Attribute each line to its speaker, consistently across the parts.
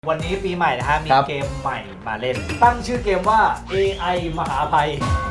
Speaker 1: วันนี้ปีใหม่นะฮะมีเกมใหม่มาเล่นตั้งชื่อเกมว่า AI มหาภัย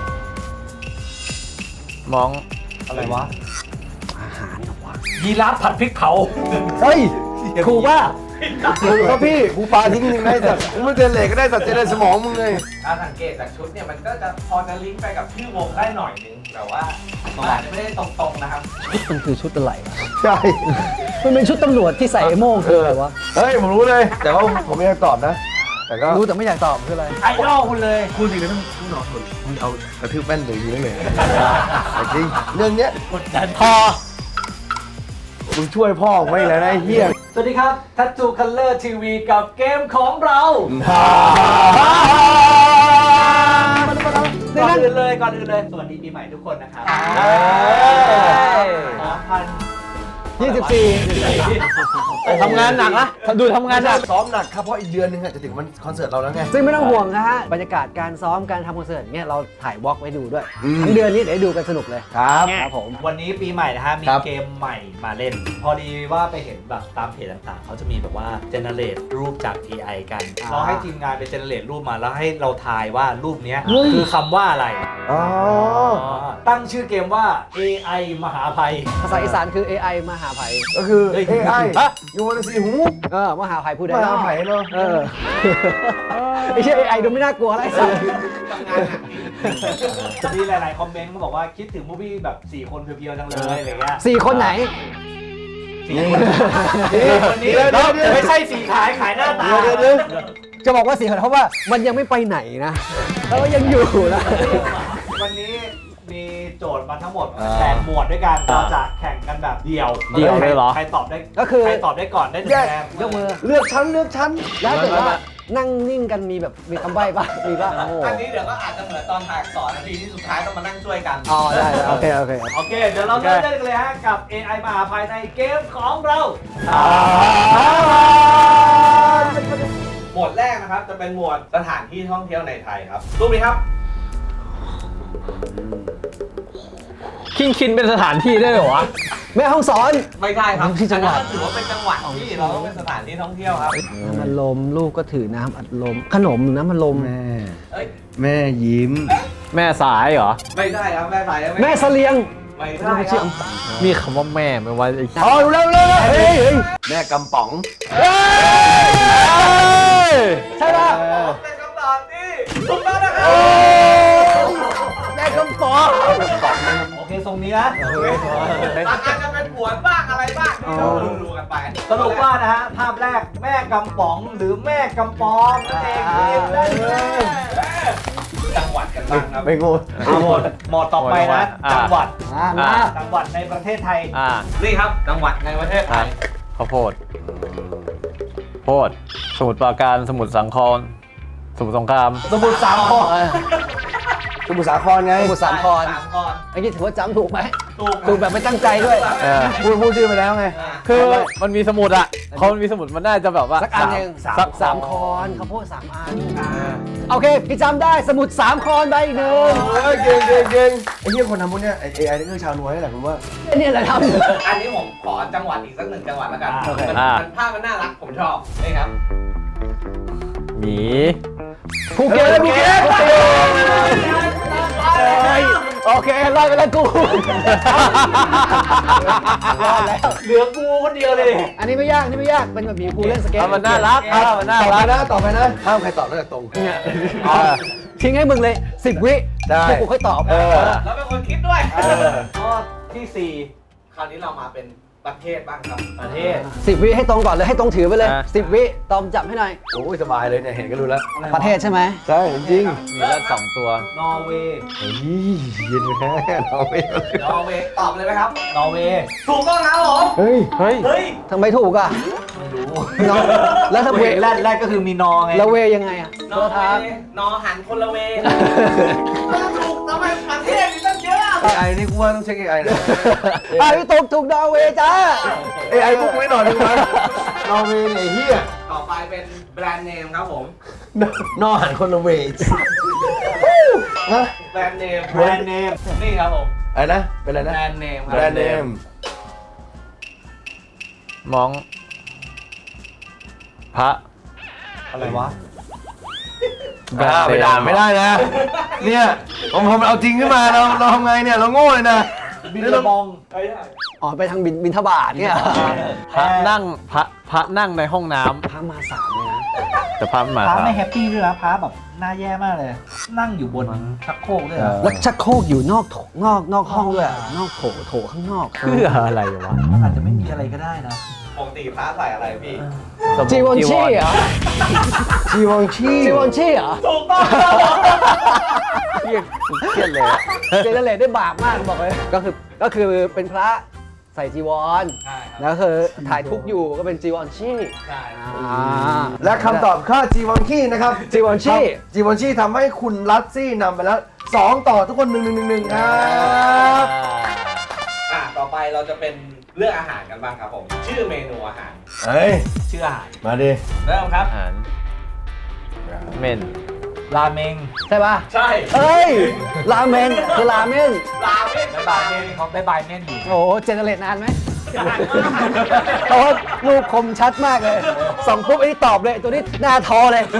Speaker 2: มอง
Speaker 1: อะไรวะอาหารวะยีราฟผัดพริกเผา
Speaker 3: เฮ้ยครูว่าครูครับพี่ครูปาทิ้งยังได้สัตว์มึงเจนเหล็กก็ได้สัตว์เจนสมองมึงเลย
Speaker 1: การสังเกตจากชุดเนี่ยมันก็จะพอจะลิงก์ไปกับชื่อวงได้หน่อยนึงแต่ว่ามันอาจจะไม่ได้ตรงๆนะครับ
Speaker 4: มันคือชุดอะไรวะ
Speaker 3: ใช่
Speaker 4: มันเป็นชุดตำรวจที่ใส่ไอ้โม่งคืออะไรวะ
Speaker 3: เฮ้ยผมรู้เลยแต่ว่าผมไม่อยากตอบนะแต่ก็
Speaker 4: รู้แต่ไม่อยากตอบคืออะไร
Speaker 1: ไอดอลคุณเลย
Speaker 3: พูดจริงนะต้องนอนคนมึงเอากระทืบแป้นเลยยิงเลยจริงเรื่องเนี้ย
Speaker 1: กดดัน
Speaker 3: พอมึงช่วยพ่อไม่แล้วนะเฮีย
Speaker 1: สวัสดีครับทัตทูคัลเลอร์ทีวีกับเกมของเราก่อนอื่นเลยสวัสดีปีใหม่ทุกคนนะครับ
Speaker 4: ทำงานหนักนะดูทำงานหนัก
Speaker 3: ซ้อมหนักครับเพราะอีกเดือนนึงจะถึงวันคอนเสิร์ตเราแล้วไง
Speaker 4: ซึ่งไม่ต้องห่วงนะฮะบรรยากาศการซ้อมการทำคอนเสิร์ตเนี่ยเราถ่ายวอล์กไว้ดูด้วยทั้งเดือนนี้เดี๋ยวดูกันสนุกเลย
Speaker 3: ครับ
Speaker 4: ผม
Speaker 1: วันนี้ปีใหม่นะฮะมีเกมใหม่มาเล่นพอดีว่าไปเห็นแบบตามเพจต่างๆเขาจะมีแบบว่าเจเนเรตรูปจาก AI กันเราให้ทีมงานไปเจเนเรตรูปมาแล้วให้เราทายว่ารูปนี้คือคำว่าอะไรตั้งชื่อเกมว่า AI มหาภัย
Speaker 4: ภาษาอีสานคือ AI มหาภัย
Speaker 3: ก็คือ AI ยูวันสีหู
Speaker 4: มหาภัยพูดได้
Speaker 3: มหาภัยเนาะ
Speaker 4: ไอ้เชื่อ AI ดูไม่น่ากลัวอะไรสัก
Speaker 1: มีหลายๆคอมเมนต์เขาบอกว่าคิดถึงมูฟวี่แบบ4คนเพียวๆจังเลยอะไรเงี้ย
Speaker 4: 4 คนไหน
Speaker 1: คนนี้ไม่ใช่สีขายหน้าตา
Speaker 4: จะบอกว่า4 คนเพราะว่ามันยังไม่ไปไหนนะแล้วยังอยู่นะ
Speaker 1: วันนี้มีโจทย์มาทั้งหมด8หมวดด้วยกันเราจะแข่งกันแบบเดี่ยว
Speaker 2: เลยเหรอ
Speaker 1: ใครตอบได้
Speaker 4: ก็คือ
Speaker 1: ใครตอบได้ก่อนได้1แต้ม
Speaker 4: ยกมือ
Speaker 3: เลือกชั้น
Speaker 4: แล้วแต่ว่านั่งนิ่งกันมีแบบมีคำใบ้ป่ะมีป่ะ
Speaker 1: อันนี้เดี๋ยวก็อาจจะเหมือนตอนถ่าย2 นาทีที่สุดท้ายต้องมานั่งช่วยกัน
Speaker 4: ได้โอเค
Speaker 1: เดี๋ยวเราเริ่มได้เลยฮะกับ AI มหาภัยในเกมของเราหมวดแรกนะครับจะเป็นหมวดสถานที่ท่องเที่ยวในไทยครับรูปนี้ครับ
Speaker 2: คินเป็นสถานที่ได้เหรอวะ
Speaker 4: แม่ห้องสอน
Speaker 1: ไม่ใช่ครับที่จังหวัดถือว่าเป็นจังหวัดที่เราต้องเป็นสถานที่ท่องเที่ยวครับ
Speaker 4: น้ำอัดลมลูกก็ถือน้ำอัดลมขนมหรือน้ำอัดลม
Speaker 3: แม่ยิ้ม
Speaker 2: แม่สายเหรอ
Speaker 1: ไม่ใช่ครับแม่สาย
Speaker 4: แม่เสลียง
Speaker 1: ไม่ใช่ครับ
Speaker 2: มีคำว่าแม่ไหมวะ
Speaker 3: เร็วแม่กำป๋อง
Speaker 4: ใช่ป่ะ
Speaker 1: เป็นคำตอบที่ถูกต้องนะครับ
Speaker 4: แม่กำป๋อง
Speaker 1: โอเคทรงนี้นะอาจจะเป็นผวนบ้างอะไรบ้างเราดูกันไปสรุปว่านะฮะภาพแรกแม่กำป๋องหรือแม่กำปองนั่นเองได้เลยจังหวัดกันบ้างครับ
Speaker 3: ไม่งู
Speaker 1: หมดต่อไปนะจังหวัดจังหวัดในประเทศไทยนี่ครับจังหวัดในประเทศไทย
Speaker 2: ข้าวโพดสมุทรปราการสมุทรสาครสมุทรสงคราม
Speaker 1: สมุทรสาคร
Speaker 3: สมุทรสาครไง
Speaker 4: สมุทรสาครไอ้นี่ถือว่าจำถูกไหมถูกแบบไม่ตั้งใจด้วย
Speaker 3: พูดชื่อไปแล้วไง
Speaker 2: คือมันมีสมุดอ่ะเขามันมีสมุดมันน่าจะแบบว่า
Speaker 4: สักอันนึง3 คอนข้าวโพด3 อันโอเคพี่จำได้สมุด3 คอนใบ1
Speaker 3: เก่งไอ้เหี้ยคนทำพวกเนี้ยไอ้ AI นี่คือชาวนวยนี่แหละผมว่า
Speaker 4: นี่แหละทำ
Speaker 1: อันนี้ผมขอจังหวัดอีกสัก1 จังหวัดแล้วกันมันภาพมันน่ารักผมชอบนี่ครับ
Speaker 2: หมี
Speaker 4: ภูเก็ตโอเครอดไปแล้วกูรอดแล้ว
Speaker 1: เหลือกูคนเดียวเลย
Speaker 4: อันนี้ไม่ยากเป็นแบบมีกูเล่นสเก็ต
Speaker 2: มันน่ารัก
Speaker 3: ต่อไปนะห้ามใครตอบนอกจากตรง
Speaker 4: ทิ้งให้มึงเลย10 วิ
Speaker 3: ได้
Speaker 4: กูค่อยตอบ
Speaker 1: แล้วเป็นคนคิดด้วยข้อที่4คราวนี้เรามาเป็นประเทศบ้างครับประเทศ
Speaker 4: 10 วิให้ตรงก่อนเลยให้ตรงถือไปเลย10 วิตอมจับให้หน่อย
Speaker 3: โอ้ยสบายเลยเนี่ยเห็นก็รู้แล้ว
Speaker 4: ประเทศใช่ไหม
Speaker 3: ใช่จริง
Speaker 2: มีแล้ว2 ตัวน
Speaker 1: อร์เวย์
Speaker 3: เย็นแค่นอร์เวย์
Speaker 1: ตอบเลยไหมครับนอร์เวย์ถูกต้องครับผม
Speaker 3: เ
Speaker 4: ฮ้ยทำไมถูกอ่ะ
Speaker 1: ไม่รู้
Speaker 4: แล้วถ้าเว
Speaker 1: แรกก็คือมีนอไง
Speaker 4: แล้วเวยังไงอ่ะ
Speaker 1: นอร์เวย์นอหันคนละเวถูกทำไมประเทศมีตั้งเยอะ
Speaker 3: AI นี่กูว่าต้องเช็ค AI นะ
Speaker 4: พี่ถูกนอร์เวย์จ้า
Speaker 3: AI พวกไม่หน่อยนึงนะนอร์เวย์เนี่ยเฮีย
Speaker 1: ต่อไปเป็นแบรนด์เนมครับผม
Speaker 3: นอหันคนละเวย์
Speaker 1: แบรนด์เนมนี่ครับผม
Speaker 3: อะไรนะเป็นอะไรนะ
Speaker 1: แบรนด์เนม
Speaker 2: มองพระ
Speaker 1: อะไรวะ
Speaker 3: ไปด่าไม่ได้นะ เนี่ยผมเอาจริงขึ้นมาเราทำไงเนี่ยเราโง่เลยนะ
Speaker 1: บินระบอง
Speaker 4: อ๋อไปทางบินทบาทเนี่ย
Speaker 2: พระนั่งในห้องน้ำ
Speaker 4: พระมาสามเลยนะ
Speaker 2: แต่พระไม่มา
Speaker 1: พระ
Speaker 2: ครับ
Speaker 1: ไม่แฮปปี้ด้วยนะพระแบบหน้าแย่มากเลย นั่งอยู่บนชักโครกด้วยนะ
Speaker 4: แล้วชักโครกอยู่นอกห้องด้วยนอกโถข้างนอก
Speaker 2: เพื่ออะไรวะ
Speaker 1: อาจจะไม่มีอะไรก็ได้นะปกติพระใส่อะไรพี่
Speaker 4: จีวอนชี่เหรอ
Speaker 3: จีวองชี
Speaker 4: จีวอนชี่เหรอ
Speaker 1: ถูกต้อง
Speaker 2: เครียดเลยอะ
Speaker 4: เจเนเรตได้บาปมากบอกเลยก็คือเป็นพระใส่จีวร
Speaker 1: ใช่ครับ
Speaker 4: แล้วคือถ่ายทุกข์อยู่ก็เป็นจีวอนชี่
Speaker 1: ใช่
Speaker 3: และคำตอบค่าจีวองชีนะครับ
Speaker 4: จีวอนชี่
Speaker 3: จีวอนชีทำให้คุณลัตซี่นำไปแล้ว2ต่อทุกคน1-1-1ครับ
Speaker 5: ต่อไปเราจะเป็นเรื่องอาหารกันบ้างครับผม ชื่อเมนูอาหาร
Speaker 3: เฮ้ย
Speaker 1: ชื่ออาหาร
Speaker 3: มาดิ
Speaker 1: เริ่มครับ
Speaker 2: อาหารเมน
Speaker 1: ราเมง
Speaker 4: ใช่ป่ะ
Speaker 5: ใช่
Speaker 4: เอ้ยราเมนคือราเมน
Speaker 5: ราเมน
Speaker 1: บายเมนเขาได้บายเมนอยู่
Speaker 4: โอ้โหเจเนเรตนานไหมเพราะว่ารูปคมชัดมากเลยส่องปุ๊บไอ้นี่ตอบเลยตัวนี้หน้าทอเลย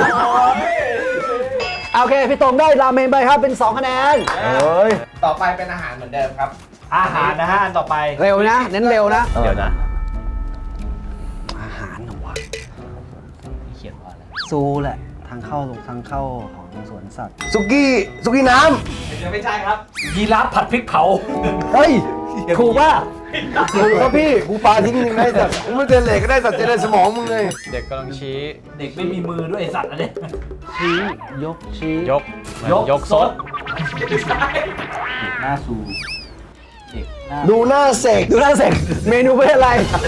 Speaker 4: โอเคพี่ตรงได้ราเมนไปครับเป็น2 คะแนน
Speaker 3: เฮ้ย
Speaker 5: ต่อไปเป็นอาหารเหมือนเดิมครับ
Speaker 1: อาหารนะฮะอันต่อไป
Speaker 4: เร็วนะเน้นเร็วนะ
Speaker 2: เดี๋ยวนะ
Speaker 4: อาหารเหรอวะ
Speaker 1: เขียนว่าอะไร
Speaker 4: ซูแหละทางเข้าของสวนสัตว์
Speaker 3: สุกี้น้
Speaker 5: ยังไม่ใช่ครับ
Speaker 1: ยีราฟผัดพริกเผา
Speaker 3: ำเฮ้ย
Speaker 4: ถูกป่ะ
Speaker 3: ถูกครับพี่กูปาทิ้งนึงได้สัตว์กูไม่เจนเหล็กก็ได้สัตว์เจนสมองมึงเลย
Speaker 2: เด็กกำลังชี้
Speaker 1: เด็กไม่มีมือด้วยไอ้สัตว์อันนี้
Speaker 4: ชี้ยกชี้
Speaker 2: ยกยกซด
Speaker 1: หน้าซูเด็กหน้า
Speaker 3: ดูหน้าเสก
Speaker 4: ดูหน้าเสร็จเมนูเป็นอะไร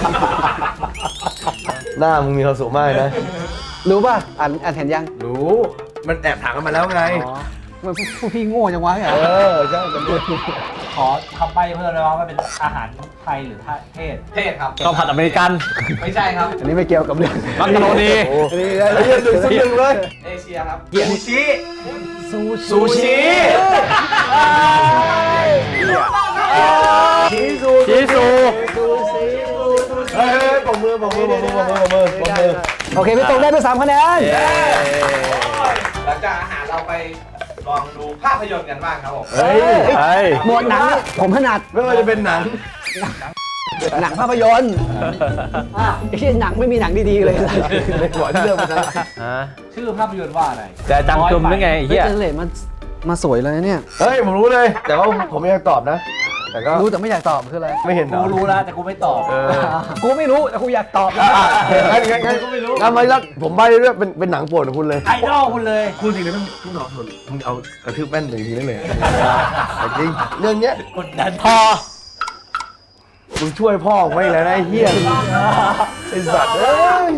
Speaker 3: หน้ามึงมีความสุขมากนะ
Speaker 4: รู้ป่ะอ่านเห็นยัง
Speaker 3: รู้มันแอบถามกันมาแล้วไง
Speaker 4: อ๋อมันผู้พี่โง่จังวะเนี่ย
Speaker 3: ใช่จำได้
Speaker 1: ขอคำใบ้เพิ่มเลยว่ามันเป็นอาหารไทยหรือเทศ
Speaker 5: เทศครับ
Speaker 2: ข้าวผัดอเมริกัน
Speaker 5: ไม่ใช่ครับ
Speaker 4: อันนี้ไม่เกี่ยวกับเรื่อง
Speaker 2: มักกะโรนี
Speaker 3: โอ้ยเรียน1-1เลย
Speaker 5: เอเชียครับ
Speaker 1: ซูชิ
Speaker 4: ซูชิ
Speaker 3: ชี้ซู
Speaker 2: ชีสู
Speaker 3: เฮ้ยปมมือ
Speaker 4: โอเคพี่ตรงได้ไป3 คะแนน
Speaker 5: หลังจากอาหารเราไปลองดูภาพยนตร์กันบ้างครับผม
Speaker 3: เฮ้ย
Speaker 2: ไอ้
Speaker 4: หมวดหนังนี่ผมถนัด
Speaker 3: ไม่ว่าจะเป็นหนัง
Speaker 4: หนังภาพยนตร์ไอ้ที่หนังไม่มีหนังดีๆเลย
Speaker 3: ในหัวที่เรื่องมันนะ
Speaker 2: ฮะ
Speaker 1: ชื่อภาพยนตร์ว่าอะไร
Speaker 2: แต่จังจุ่มหรือไงไอ้
Speaker 4: เฮ้ย
Speaker 2: เหี้ย
Speaker 4: เจเนเรตมาสวยเลยนะเนี่ย
Speaker 3: เฮ้ยผมรู้เลย แต่ว่าผมไม่อยากตอบนะ แต่ก็
Speaker 4: รู้แต่ไม่อยากตอบคืออะไร
Speaker 3: ไม่เห็นเหร
Speaker 1: กู
Speaker 3: อ
Speaker 1: รู้แล้วแต่กูไม่ตอบ
Speaker 4: กูไม่รู้แต่กูอยากตอบ
Speaker 3: งั้นก็ไม่รู้งั้นไม่รับผมใบ้ด้วยเป็นหนังโปรดของคุณเลย
Speaker 1: ไอดอลคุณเลย
Speaker 3: คุณจริงเลยต้องตอบส่วนมึงเอากระทืบแป้นหนึ่งทีได้เลยจริงเรื่องเนี้ย
Speaker 1: กดดัน
Speaker 3: พอมึงช่วยพ่อไม่แล้วนะไอ้เหี้ยไอ้สัตว์เอ้ย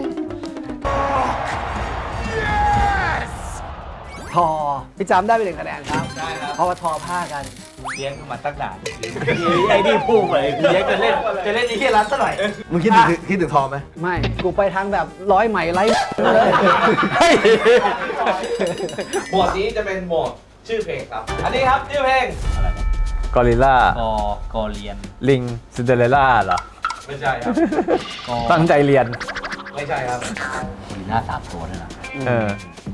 Speaker 4: ทอพี่จำได้ไป1 คะแนนครับ
Speaker 5: ได้ครับ
Speaker 4: เพราะว่าทอผ้ากัน
Speaker 1: เลี้ยงมาตั้งนานไอ้นี่พูดเลยเลี้ยงจะเล่นไอ้เหี้ยร้านซะหน่อย
Speaker 3: มึงคิดถึงทอไหม
Speaker 4: ไม่กูไปทางแบบร้อยไหมไร้เลย
Speaker 5: หมวดนี้จะเป็นหมวดชื่อเพลงครับ อันนี้ครับชื่อเพลง
Speaker 2: กอริลล่าก
Speaker 1: อเรียน
Speaker 2: ลิงซินเดอเรลล่าเหรอ
Speaker 5: ไม่ใช่ครับ
Speaker 2: ตั้งใจเรียน
Speaker 5: ไม่ใช่ครับ
Speaker 1: มีหน้า3 ตัวด้วยนะ
Speaker 2: เออ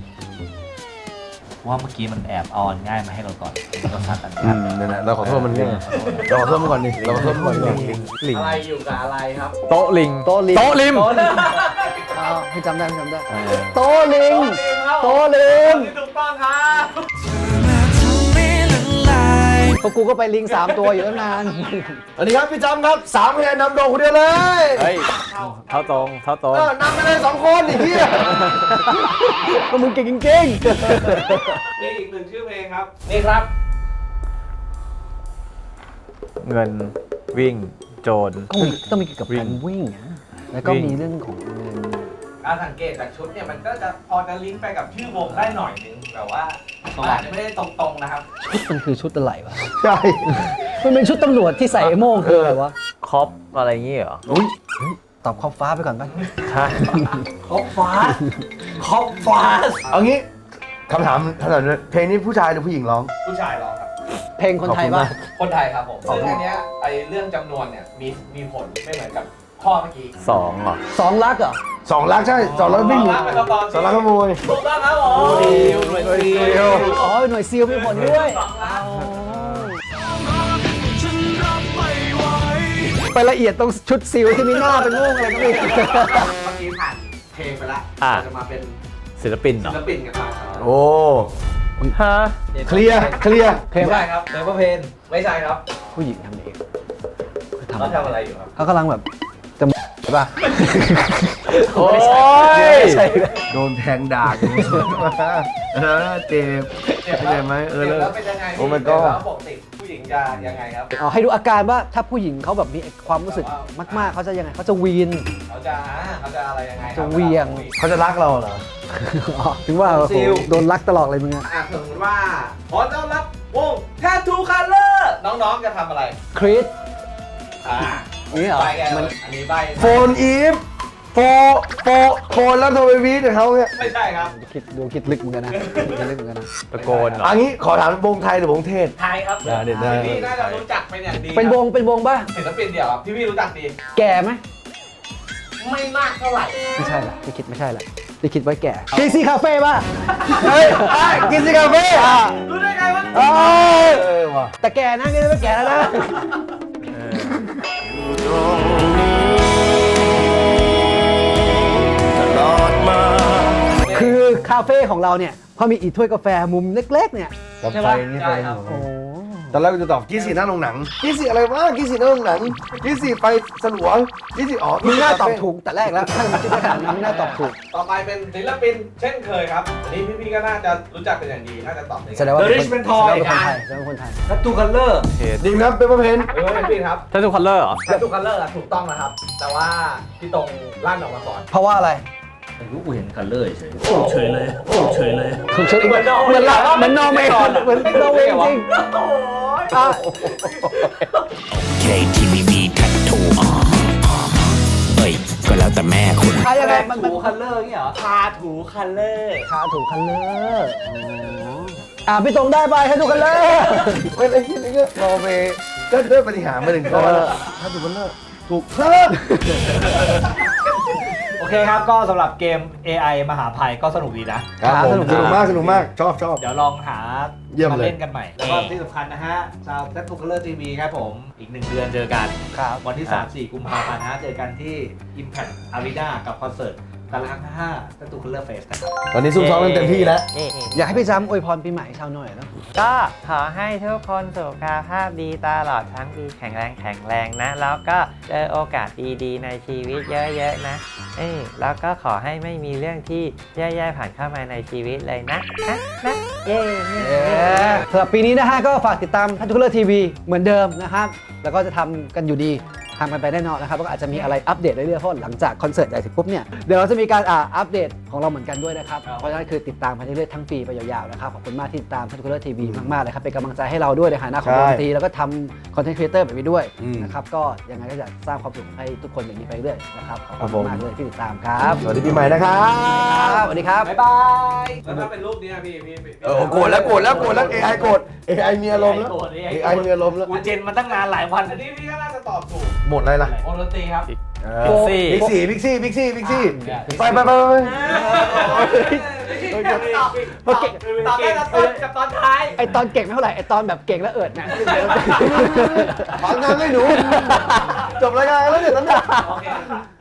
Speaker 1: ว่าเมื่อกี้มันแอบเอาอันง่ายมาให้เราก่อนเราซัดอัน
Speaker 3: นั่นแหละเราขอโทษมันนี่เราขอโทษมันก่อนดิเราขอโทษมันก่อนดิ
Speaker 2: ลิง
Speaker 5: อะไรอยู่กับอะไรครับ
Speaker 2: โต๊ะลิง
Speaker 4: โต๊ะลิง
Speaker 2: โต๊ะลิม
Speaker 4: อ้าวพี่จำได้โตะลิงโตะลิง
Speaker 5: ถูกต้องครับ
Speaker 4: พวกกูก็ไปลิง3 ตัวอยู่ตั้งนาน
Speaker 3: สวัสดีครับพี่จำครับ3 คะแนนนำโด่งคนเดียวเลย
Speaker 2: เฮ้ยเท้าตรง
Speaker 3: นำไปเลย2 คนไอ้เหี้ย
Speaker 4: ก็มึงเก่งจริง
Speaker 5: มีอีก1ชื่อเพลงครับ นี่ครับ
Speaker 2: เงินวิ่งโจร
Speaker 4: ๆก็ต้องมีเกี่ยวกับการวิ่งนะแล้วก็มีเรื่องของเงิน
Speaker 5: การสังเกตจากชุดเนี่ยมันก็จะพอจะลิงก์ไปกับชื่อวงได้หน่อยนึงแต่ว่ามันอาจจะไม่ได้ตรงๆนะครับ
Speaker 4: ชุดมันคือชุดอะไรวะ
Speaker 3: ใช่
Speaker 4: มันเป็นชุดตำรวจที่ใส่ไอ้โม่งคืออะไรวะ
Speaker 2: คอปอะไรอย่างงี้เหรอ
Speaker 3: อุ้ย
Speaker 4: ตอบขอบฟ้าไปก่อนปะ
Speaker 2: ใช่
Speaker 1: คอปฟาสคอปฟาส
Speaker 3: เอางี้คำถามเพลงนี้ผู้ชายหรือผู้หญิงร้อง
Speaker 5: ผู้ชายร้องครับ
Speaker 4: เพลงคนไทย
Speaker 3: ขอบคุณ
Speaker 4: ปะ
Speaker 3: มาก
Speaker 5: คนไทยครับผมซึ่งอันเนี้ยไอเรื่องจำนวนเนี่ยมีผลไม่เหมือนกับข้อเมื่อกี้
Speaker 2: 2เหรอ
Speaker 4: 2 ลักเหรอ
Speaker 3: 2 ลักใช่2 ลักวิ่ง
Speaker 5: 2 ลักเป็นคำตอบที่
Speaker 3: 2 ลักขโมย
Speaker 5: ถูกต้องครับผม
Speaker 1: หน่วยซิล
Speaker 4: อ๋อหน่วยซีลมีผลด้วย
Speaker 5: 2 ลัก
Speaker 4: ไปละเอียดตรงชุดซีลที่มีหน้าเป็นม่วงอะไรก็ไม่รู้
Speaker 5: เมื่อกี้ผ่านเพลงไปแล้ว
Speaker 2: อ่ะ
Speaker 5: จะมาเป็น
Speaker 2: ศิลปินเหร
Speaker 5: ศิ
Speaker 2: อ
Speaker 5: ลปินกันบ้างครับ
Speaker 3: โอ้
Speaker 2: ฮะ
Speaker 3: เคลียร์
Speaker 4: เพลง
Speaker 5: ไม่
Speaker 4: ว่า
Speaker 5: ใช่ครับ
Speaker 1: เปเปอร์เพน
Speaker 5: ไม่ใช่ครับ
Speaker 4: ผู้หญิงทำเอง
Speaker 5: เขาทำอะไรอยู่ครับ
Speaker 4: เขากำลังแบบจะใช่ป่ะ
Speaker 2: โอ้ย
Speaker 4: ไม่ใช่
Speaker 3: โดนแทงดากเจ็บ
Speaker 5: เจ็บ
Speaker 3: เข้าใจไหมเออ
Speaker 5: แล้วเป็นยังไง
Speaker 3: โอ้ my
Speaker 5: เจ็บ
Speaker 3: god
Speaker 5: แล้วปกติผู้หญิงจะยังไงครับ
Speaker 4: เอาให้ดูอาการว่าถ้าผู้หญิงเขาแบบมีความรู้สึกมากๆเขาจะยังไงเขาจะวีน
Speaker 5: เขาจะอะไรยังไงครับ
Speaker 4: จะเหวี่ยง
Speaker 3: เขาจะรักเราเหรอ
Speaker 4: อ๋อถึงว่าโอ้โหโดนลักตลอดเลยมึงอะ
Speaker 5: สมมติว่าขอต้อนรับวง Tattoo Color น้องๆจะทำอะไร
Speaker 4: คริส
Speaker 5: อ่า
Speaker 4: นี่เหรอ
Speaker 5: ใบแก
Speaker 4: มัน
Speaker 5: อันนี้ใบ
Speaker 3: โฟนอีฟโฟนแล้วโทรไปวีดกับเขาเนี่ย
Speaker 5: ไม่ใช่ครับ
Speaker 4: คิดลึกเหมือนกันนะคิดลึกเหมือนกันนะ
Speaker 2: ตะโกนเหรอ
Speaker 3: อันนี้ขอถามวงไทยหรือวงเทศ
Speaker 5: ไทยครับ
Speaker 3: ได้เด็ดได้
Speaker 5: พี่น่าจะรู้จักเป็นอย่างดี
Speaker 4: เป็นวงป่ะ
Speaker 5: ศิลปินเดี่ยวครับที่พี่รู้จักดี
Speaker 4: แก่ไหม
Speaker 5: ไม่มากเท่าไหร่
Speaker 4: ไม่ใช่ละที่คิดไม่ใช่ละที่คิดไว้แก่กีซี่คาเฟ่ป่ะ
Speaker 3: เฮ้ยกินสิกาแฟ
Speaker 5: รู้ได้ไงวะ
Speaker 3: เออว่ะ
Speaker 4: แต่แก่นะนี่ไม่แก่แล้วนะคือคาเฟ่ของเราเนี่ยเขามีอีถ้วยกาแฟมุมเล็กๆเนี่ย
Speaker 3: กับ
Speaker 4: ใช่
Speaker 3: ไฟ
Speaker 4: ปะ
Speaker 3: นี่
Speaker 5: ใช่
Speaker 3: ไฟ
Speaker 5: ครับ
Speaker 4: โอ้
Speaker 3: ตอนแรกกูจะตอบกี้สีหน้าโรงหนังกี้สีอะไรวะกี้สีหน้าโรงหนังกี้สีไฟสลัวกี้สีอ๋อ
Speaker 4: มึงน่าตอบถูกแต่แรกแล้วถ้ามึงคิดได้ขนาดนี้มึงน่าตอบถูก
Speaker 5: ต่อไปเป็นศิลปินเช่นเคยครับอันนี้พี่ๆก็น่าจะรู้จักเป็นอย่างดีน่าจะตอบได้
Speaker 4: แสดงว่า
Speaker 1: The Rich เป็นทอย
Speaker 4: แสดงว่าเป็นคนไทย
Speaker 1: ทัตทูคัลเลอร์
Speaker 3: ดีครับเปเปอร์เพน
Speaker 5: เออเป็นพี่ครับ
Speaker 2: ถ้าทุกคัลเลอร์เหรอ
Speaker 5: Tattoo Color ถูกต้องนะครับ แต่ว่าพี่ตรงลั่นออกมาก่อน
Speaker 4: เพราะว่าอะไร
Speaker 1: รู้กูเห็นคัลเลอร์เฉยโอ้เฉยเลยโอ้เฉยเลย
Speaker 4: ผมเชื่ออีกเหมือนนอร์เวย์เหมือนนอร์เวย์จริง
Speaker 5: โอ้ย
Speaker 4: อ่ะ
Speaker 6: KTVB แทททูเอ้ย ก็แล้วแต่แม่คุณ
Speaker 4: ใครยังไงมัน
Speaker 1: ทูคัลเลอร์นี่เหรอ
Speaker 5: ทาถูคัลเลอร์
Speaker 4: คาถูกคันเลอร์พี่ตรงได้ไปให้ถูกคันเลอร์
Speaker 3: ไม่ได้คิดอะไรเงี้ยรอไปก็ด้วยปฏิหารมาถึงข้อแล้วถ้าถูกมันเลิกถูกเพิ่ม
Speaker 1: โอเคครับก็สำหรับเกม AI มหาภัยก็สนุกดีนะ
Speaker 3: ครับผมสนุกมากชอบ
Speaker 1: เดี๋ยวลองหา
Speaker 3: เยี่ยมเลย
Speaker 1: มาเล่นกันใหม่ แล้วก็ที่สำคัญนะฮะ ชาวแซทูคัลเลอร์ทีวีครับผม อีก 1 เดือนเจอกัน
Speaker 4: ครับ
Speaker 1: วันที่ 3-4 กุมภาพันธ์นะฮะเจอกันที่ Impact Arena กับคอนเสิร์ตตาราง5 Tattoo Color Fest นะครับ
Speaker 3: ตอนนี้ซุ่มซ้อมกันเต็มที่แล้ว
Speaker 4: อยากให้พี่จ้ำอวยพรปีใหม่ชาวหน่อยเนาะ
Speaker 7: ก็ขอให้ทุกคนสุขภาพดีตลอดทั้งปีแข็งแรงนะ แล้วก็เจอโอกาสดีๆในชีวิตเยอะๆนะแล้วก็ขอให้ไม่มีเรื่องที่แย่ๆผ่านเข้ามาในชีวิตเลยนะเย้
Speaker 4: สำหรับปีนี้นะฮะก็ฝากติดตามทัตทูคัลเลอร์ทีวีเหมือนเดิมนะครับแล้วก็จะทำกันอยู่ดีทำกันไปแน่นอนนะครับแล้วก็อาจจะมีอะไรอัปเดตเรื่อยๆเพราะหลังจากคอนเสิร์ตใหญ่เสร็จปุ๊บเนี่ยเดี๋ยวเราจะมีการอัปเดตของเราเหมือนกันด้วยนะครับเพราะฉะนั้นคือติดตามไปเรื่อยๆทั้งปีไปยาวๆนะครับขอบคุณมากที่ติดตามทัตทูคัลเลอร์ทีวีมากๆเลยครับเป็นกำลังใจให้เราด้วยในฐานะของวงดนตรีแล้วก็ทำคอนเทนต์ครีเอเตอร์แบบนี้ด้วยนะครับก็ยังไงก็อยากสร้างความสุขให้ทุกคนอย่างนี้ไปเรื่อยนะครับขอบคุณมากเลยที่ติดตามครับ
Speaker 3: สวัสดีปีใหม่นะครับ
Speaker 4: สวัสดีครับ
Speaker 1: บ๊ายบาย
Speaker 5: แล้วถ้าเป็นรูปนี้พี่
Speaker 3: โกรธแล้ว AI โกรธ AI มีอารมณ์แล้ว AI มีอารมณ์แล้ว
Speaker 1: กูเจนมาตั้งนานหลายวัน
Speaker 5: อันนี้พี่ก็น่าจะตอบถูก
Speaker 3: หมดอะไรล่ะ
Speaker 5: วงดนตรีครับ
Speaker 2: บิ๊กซี่
Speaker 3: บิ๊กซี่ไป
Speaker 5: ตอบได้กับตอนท้าย
Speaker 4: ไอตอนเก่งไม่เท่าไหร่ไอตอนแบบเก่งแล้วเอิดนะ
Speaker 3: ฟังงานให้หนู จบรายการแล้วเดี๋ยวนั้น
Speaker 5: โอเค